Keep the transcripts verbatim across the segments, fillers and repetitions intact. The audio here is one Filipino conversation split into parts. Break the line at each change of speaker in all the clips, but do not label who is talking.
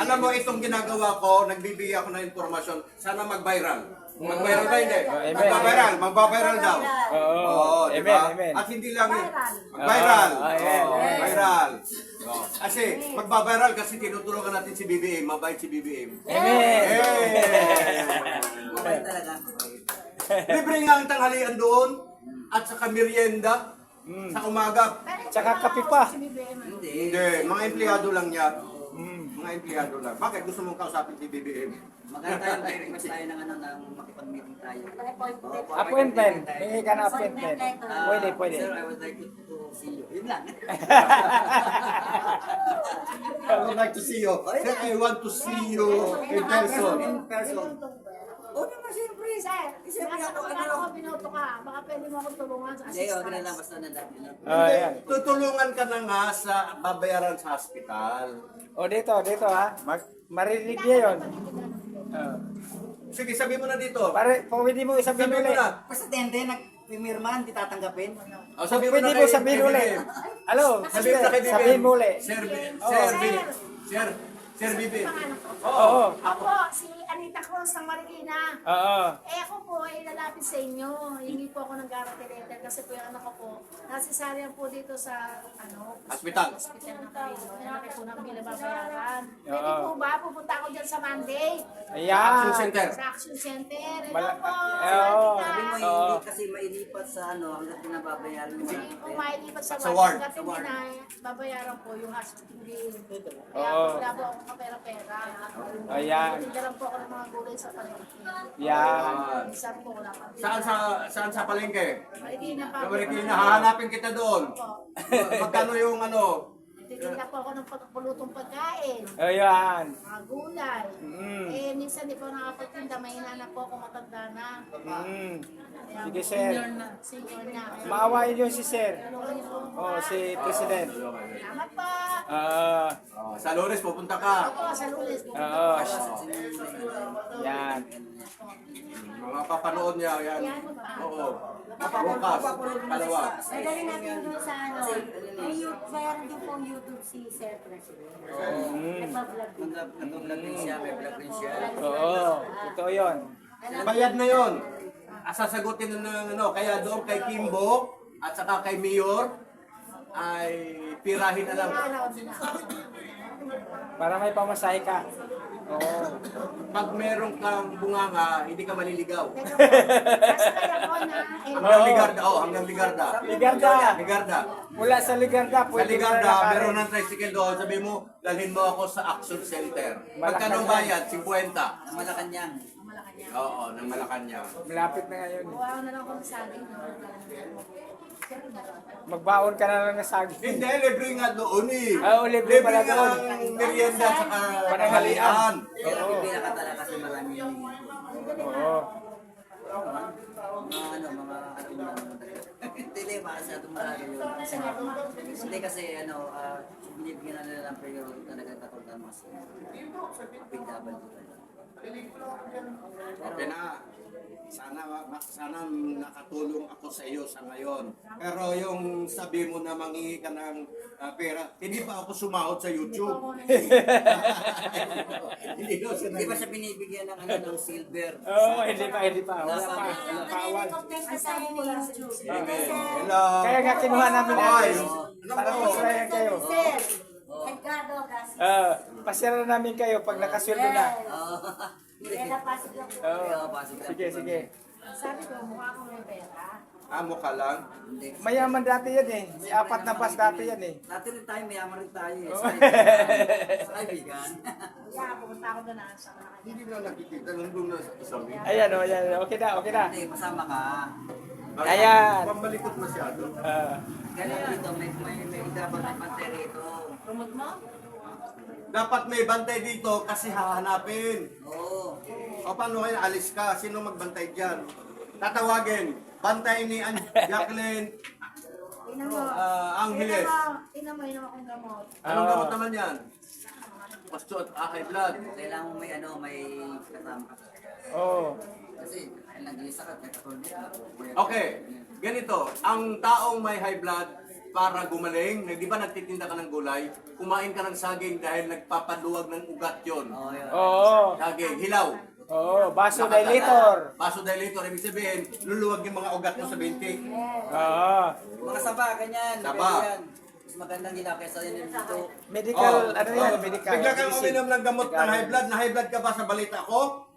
Alam mo, itong ginagawa ko, nagbibigay ako ng informasyon, sana mag-viral. Mag-viral ba hindi?
Amen.
Magbabiral, magbabiral daw.
Oo.
Oo, di ba?
Amen, amen.
At hindi lang yun. Mag-viral.
Oo, amen,
Oo,
amen.
viral. Oo. Kasi, magbabiral kasi tinutulungan natin si B B M, mabait si B B M.
Amen.
Mabait talaga.
Libre nga ang tanghalian doon, at saka merienda, sa umaga.
Tsaka kape pa.
Hindi.
Hindi, mga empleyado lang yan. Mga empleyado lang. Bakit gusto mong kausapin si B B M?
Maganda tayo, may request tayo ng ano, ng makipag-meeting tayo. Opo,
Appointment. Hingi ka na appointment.
Ah,
Pwede, pwede.
Sir, I would like to, to see you. Yun lang.
I would like to see you. Sir, I want to see you in person.
In person. Oo naman, siyempre.
Sir,
Siyempre
nasa
ako,
kapag
ano.
ako binoto ka, baka pwede mo akong tulungan sa
Hindi, okay na lang.
assistance.
Basta nandang yun.
Oh, ayan.
Tutulungan ka na nga sa babayaran sa hospital.
O dito, dito ha. Mag marinig niya yun. Oh.
Sige, sabi mo na dito.
Pare, pwede mo isabihin
Sabi mo
ulit.
na.
Basta tende, nagpimirma, hindi tatanggapin.
Oh, sabi mo
Pwede
na
mo
kay-
sabihin
kay
ulit.
B B M.
Hello,
Sabi mo na kay B B M.
sabihin mo ulit.
Sir, B-
Oh.
Sir, B- Sir, Sir B B M.
Oo.
Ako, si Anita Cruz ng Marikina.
Oo.
Eh ako po ay lalapit sa inyo. Hingi po ako ng guarantee letter kasi po yung anak ko po nasisaryan po dito sa ano
Hospital.
hospital na kayo. Ay laki po ng binababayaran. Pwede
Oo.
po ba pupunta ako dyan sa Monday?
Ayan.
Action Center.
Sa Action Center. Ito
Mala-
po.
Eh,
Si
oo.
Anita.
Sabi mo,
Oo.
hindi kasi mailipat sa ano, hanggang pinababayaran mo.
Hindi po mailipat sa
Sa
ward.
ward.
Hanggat
Sa
hindi
ward.
na babayaran po yung hospital bill. Kaya
Oo.
po wala po akong kapera-pera.
Ayan.
Tinda lang po ako ng mga gulay sa palengke.
Yan.
Minsan po wala pa.
Saan sa saan sa palengke?
Marikina pa.
Sa Marikina, hahanapin kita doon.
Po.
Magkano yung ano?
Titinda po ako ng pagpulutong pagkain.
Ayan.
Mga gulay.
Mm.
Eh, minsan di po nakapagtinda. May na po ako matanda na.
Mm.
Kaya
Sige,
po,
sir.
Senior na. Senior na. Kaya
Maawain yun si Sir.
tulungan niyo po.
Oh, si President.
Salamat po.
Ah,
Oh, sa Lunes pupunta ka.
Ako sa Lunes.
oo. Yan.
Mga papanood niya yan. Oo. Bukas, dalawa.
Madali natin doon sa ano, may YouTube, mayroon din pong YouTube si Sir President. Nagpa-vlog din.
Nag-vlog din siya, may vlog din siya.
Oo. Ito yun.
Bayad na yon. Sasagutin na ng ano, kaya doon kay Kimbo at saka kay Mayor ay pirahin na lang.
Para may pamasahe ka. Oo.
Pag meron kang bunganga, hindi ka maliligaw.
Kasi kaya ko na. eh,
Hanggang Ligarda, oh, hanggang Ligarda.
Ligarda.
Ligarda.
Mula sa Ligarda,
Sa
pwede mo na
Ligarda,
lakarin.
meron ng tricycle doon. Sabi mo, dalhin mo ako sa Action Center. Magkano ang bayad? fifty.
Ang Malacanang.
Oo, ng Malacanang.
Malapit na ngayon.
Kuha ko na lang ako ng saging.
Magbaon ka na lang ng saging.
Hindi, libre nga doon eh.
Ah, oh, libre pala
nga
doon.
ang merienda at saka pananghalian.
Pero pipila ka talaga kasi marami yung
Oo.
mga ano, mga ano na hindi masyadong marami yun. Hindi kasi ano, ah, binibigyan na nila ng priority talaga katulad ng mas P W.
Okay na. Sana ma- sana nakatulong ako sa iyo sa ngayon. Pero yung sabi mo na mangingi ka ng ah, pera, hindi pa ako sumahod sa YouTube. Hindi daw siya
Hindi ba siya binibigyan ng ano ng silver?
Oo, hindi pa, hindi pa. Wala pa. Wala pa awal.
Nag-recognize na tayo ni YouTube.
Hello.
Kaya nga kinuha namin
Hoy.
natin. Para masaya kayo.
Sir, Edgardo Gassi.
Ah, pasira namin kayo pag nakasweldo na.
Oo.
Kaya napasok lang po.
Oo.
Oo, pasig lang.
Sige, sige.
Sabi ko, mukha akong may pera.
Amo ka lang.
Hindi.
Mayaman dati yan eh. May apat na bus dati yan eh.
Dati rin tayo, mayaman rin tayo eh.
Oo.
Sa kaibigan. Sa kaibigan.
Kaya pupunta ako doon na sa mga
Hindi na nakikita nandun na sa isang.
Ayan o, ayan. Okay na, okay na.
Hindi, masama ka.
Ayan.
Pamalikot masyado.
Ah,
Ganun dito, may, may, may dapat may pantay rito.
promote mo.
Dapat may bantay dito kasi hahanapin.
Oo.
O paano kaya alis ka? Sino magbantay dyan? Tatawagin. Bantay ni An- Jacqueline
Tingnan mo.
ah, Angeles.
Tingnan mo, tingnan mo, tingnan mo akong gamot.
Anong
Oo.
gamot naman yan? Pasto at ah, high blood.
Kailangan mo may ano, may kasama ka.
Oo.
Kasi, ay nag-iisa ka, kahit ako hindi.
Okay, ganito. Ang taong may high blood, para gumaling. Di ba nagtitinda ka ng gulay? Kumain ka ng saging dahil nagpapaluwag ng ugat yon.
Oo, yun.
Oo.
Saging, hilaw.
Oo, vasodilator.
Vasodilator, ibig sabihin, luluwag yung mga ugat mo sa binti.
Oo.
Mga saba, ganyan.
Saba.
pwede yan. Mas magandang gila kaysa yun dito.
Medical,
Oh,
ano yan,
oh,
medical.
Bigla kang
medicine.
uminom ng gamot ng high blood. Na high blood ka ba sa balita ko?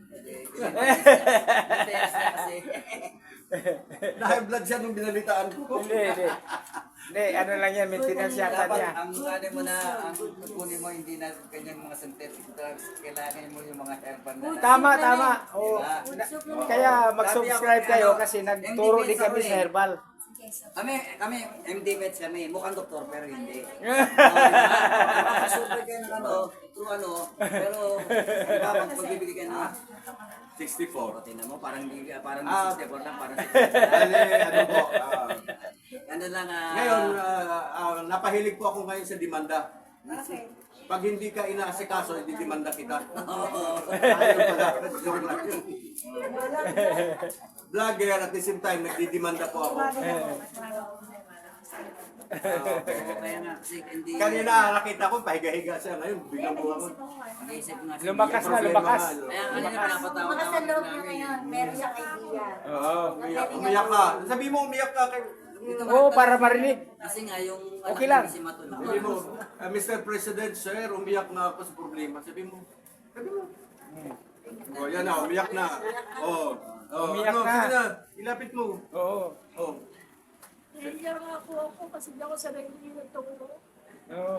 Test na kasi.
Na high blood siya nung binalitaan ko.
Hindi, hindi. Hindi, ano lang yan, maintenance yata
Dapat
niya.
ang ano mo na, ang kunin mo hindi na kanyang mga synthetic drugs. Kailangan mo yung mga herbal na.
Tama, tama. Oo.
Diba?
Na- Kaya mag-subscribe kayo kasi nagturo din kami sa herbal.
Kami, kami, M D Meds kami, mukhang doktor pero hindi. Super kayo ng ano, true ano, pero diba, pag pagbibigay kayo ng
sixty-four.
o, tingnan mo, parang hindi, parang
Ah.
sixty-four lang, parang
Dali, ano po. ah,
ano lang, ah,
ngayon, ah, ah, napahilig po ako ngayon sa demanda. Pag hindi ka inaasikaso, hindi demanda kita. Ayun pala, joke lang yun. Vlogger at the same time, nagdidemanda po ako.
kaya nga, kasi hindi,
Kanina nakita ko, pahiga-higa siya. Ngayon, biglang buwan mo.
mag-iisip nga siya.
Lumakas na, lumakas.
Kaya kanina pinapatawa
Mga sa
naman
loob niya
namin.
ngayon, meron siyang idea.
Oo.
Umiyak, umiyak ka. Sabi mo, umiyak ka. Kay,
Oo, para marinig.
Kasi nga, yung
Okay
anak
lang.
ni si Matulog.
sabi mo, "Ah, Mister President, sir, umiyak na ako sa problema." Sabi mo, sabi mo. Oh, yan na, umiyak na. Oh, oh
Umiyak
ano,
na.
sige na, ilapit mo.
Oo.
Oh.
Naiiyak nga po ako kasi hindi ako sanay ng tungo.
Oo.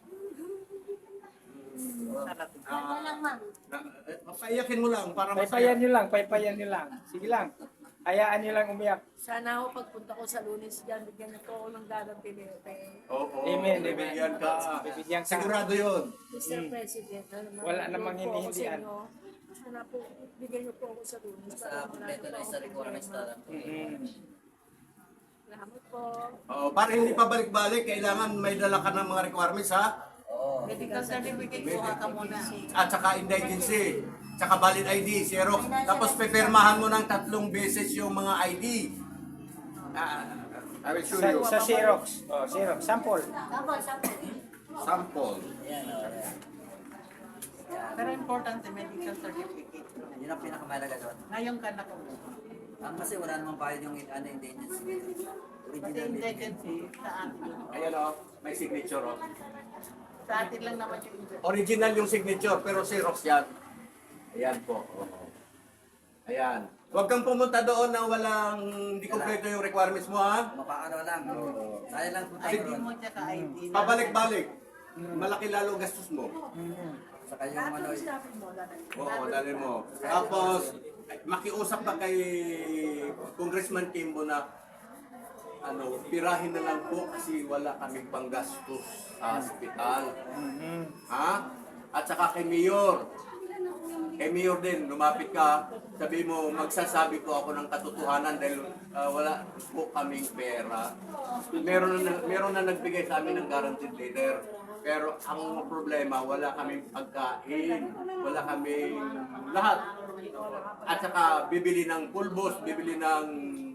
Ano lang, ma'am.
Na- eh, Paiyakin mo lang para
Paypayan
masaya.
nyo lang, paypayan nyo lang. Sige lang. Hayaan nyo lang umiyak.
Sana ako pagpunta ko sa Lunes dyan, bigyan niyo po ako ng dadang pinete.
Oo,
Amen,
bibigyan ka.
Bibigyan ka.
Sigurado yun.
mister President, ano,
Wala
manonood
namang
po ako sa
hinihindihan.
inyo. Sana po, bigyan niyo po ako sa Lunes.
Basta
para wala
kompleto
na
na
po
sa
akong
requirements
problema.
na lang.
Mm.
Salamat po.
Oh, para hindi pa balik-balik, kailangan may dala ka ng mga requirements ha.
Medical certificate po ka muna.
At saka indigency, tsaka valid I D, Xerox. Tapos pipirmahan mo ng tatlong beses yung mga I D. Ah, I will show
Sa,
you.
sa Xerox. Oh, Xerox. Sample.
Tapos, tapos.
Sample.
Yan, o, yan.
Pero importante, medical certificate.
Yun ang pinakamalaga doon.
Ngayon ka nakuha.
Ang kasi wala namang bayad yung ano, indigency.
Pati
Original
indigency sa atin.
Ayan o, may signature o.
Sa atin lang naman yung indigency.
Original yung signature, pero Xerox yan. Ayan po. Oo. Ayan. Huwag kang pumunta doon na walang, hindi kompleto yung requirements mo ha.
Mapaano lang. Kaya lang punta
I D
doon.
mo tsaka I D. na-
Pabalik-balik. Malaki lalo ang gastos mo.
Saka yung ano,
Oo, dali mo. Tapos, makiusap pa kay Congressman Kimbo na ano, pirahin na lang po kasi wala kaming panggastos sa hospital. Ha? At saka kay Mayor. Kay Mayor din, lumapit ka, sabi mo, magsasabi po ako ng katotohanan dahil ah, wala po kaming pera. Meron na, meron na nagbigay sa amin ng guaranteed letter. Pero ang problema, wala kaming pagkain, wala kaming lahat. At saka bibili ng pulbos, bibili ng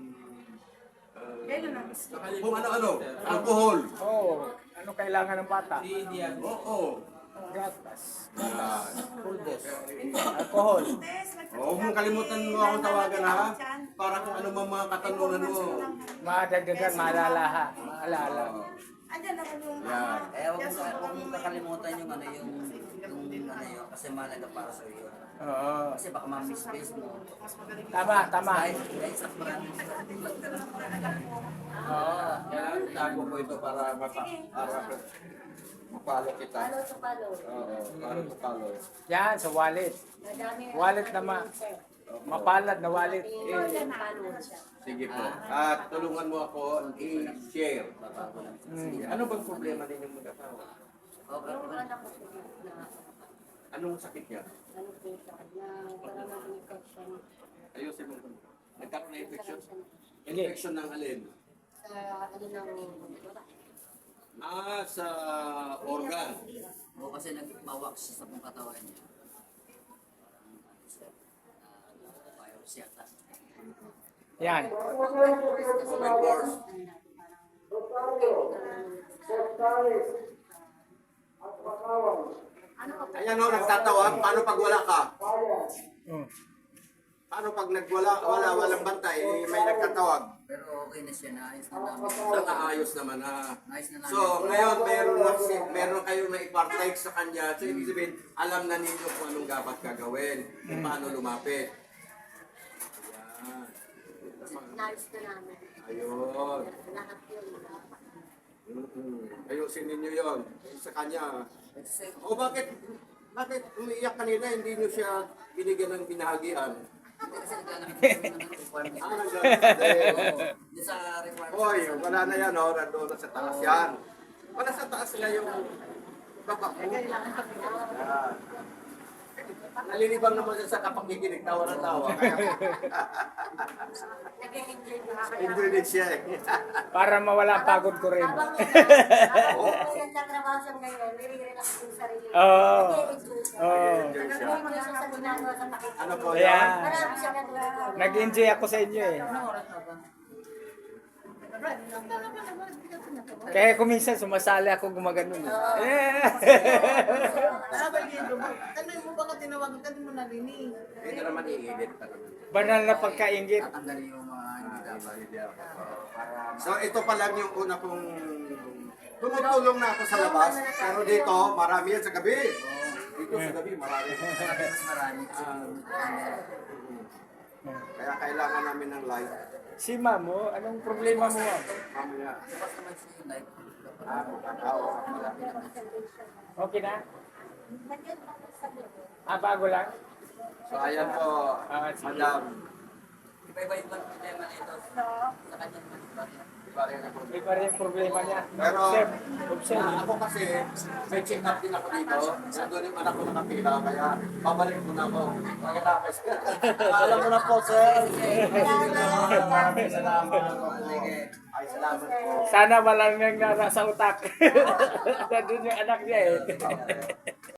uh, kung ano-ano, alcohol.
Oo. Ano kailangan ng bata?
Oo.
Gatas.
Yan.
Pulbos. Alcohol.
Oh, huwag mong kalimutan mo akong tawagan ha. Para kung ano mang mga katanungan mo.
Madagdagan, maalala ha. Maalala.
Yan.
eh, huwag mo, huwag mo kakalimutan yung ano, yung, yung ano yun, kasi mahalaga para sa iyo.
Oo.
Kasi baka ma-misplace mo.
Tama, tama.
Kahit, kahit sa maraming
Oo. Yan. Tago ko ito para mapa, para mapalo kita.
Palo to palo.
Oo. Para mapalo.
Yan, sa wallet.
Madami.
Wallet naman. Mapalad na wallet.
Ito, yan, palo siya.
Sige po. At tulungan mo ako i-share. Sige. Ano bang problema ninyong mag-asawa?
Okay.
Yung anak ko po na,
Anong sakit niya?
ano po siya, na parang nag-infection
Ayusin mo. Nagkaroon na infection?
Hindi.
Infection ng alin?
sa, ano ng,
Ah, sa organ.
O kasi nagmawak siya sa pong katawan niya. Parang virus yata.
Yan.
Open pores.
Ano ka po?
Ayan o, nagtatawag. Paano pag wala ka?
Oh.
Paano pag nagwala, wala, walang bantay, eh, may nagtatawag?
Pero okay na siya, naayos na namin.
So, naayos naman ha.
Naayos na namin.
So, ngayon, meron, na, meron kayong na-partake sa kanya. So, ibig sabihin, alam na ninyo kung anong dapat gagawin, kung paano lumapit. Ayan.
Nice na namin.
Ayun.
Lahat yun.
Mm-hmm. Ayusin ninyo yon sa kanya.
Kasi,
O bakit, bakit umiiyak kanina, hindi nyo siya binigyan ng binahagian?
hindi kasi naglalaki ng requirement.
Ah, naglalaki.
Hindi sa requirement.
Oy, wala na yan, oh. Nandun na sa taas yan. Wala sa taas na yung baba mo. Yan. Nalilibang naman siya sa kapakikinig, tawa na tawa. Kaya,
Nag-enjoy na kaya.
enjoy din siya eh.
Para mawala ang pagod ko rin.
Habang habang yung nagtrabaho siya ngayon, nire-relax yung sarili.
Oo.
Nag-enjoy siya.
Oo.
Enjoy siya.
Nag-enjoy siya sa ginagawa sa takip.
Ano po
Kaya,
yan?
Marami siya natutuwa.
nag-enjoy ako sa inyo eh.
Anong oras na ba?
Kaya kung minsan sumasali ako gumaganon eh. Eh.
Sabi niyo, tanong mo ba kung tinawagan ka, di mo narinig.
Ito naman iinit talaga.
Banal na pagkaingit.
Tatanggalin yung mga hindi dapat.
So ito pa lang yung una kong tumutulong na ako sa labas. Pero dito, marami yan sa gabi. Dito sa gabi, marami.
Mas marami.
Kaya kailangan namin ng light.
Si ma'am, oh, anong problema mo ma'am?
Mamaya.
Tapos naman siya yung life.
Ah, makakao.
Okay na? Ah, bago lang?
So ayan po,
Ah, sige.
madam.
Iba-iba yung problema nito. Sa kanya naman iba rin.
Iba rin ako.
Iba rin yung problema niya.
Pero,
Observe. Observe.
Ah, ako kasi, may check up din ako dito. Nandun yung anak ko nakapila, kaya babalik ko na ako. Pagkatapos. Alam mo na po, sir. Maraming salamat. Ay, salamat po.
Sana wala nang nasa utak. Nandun yung anak niya eh.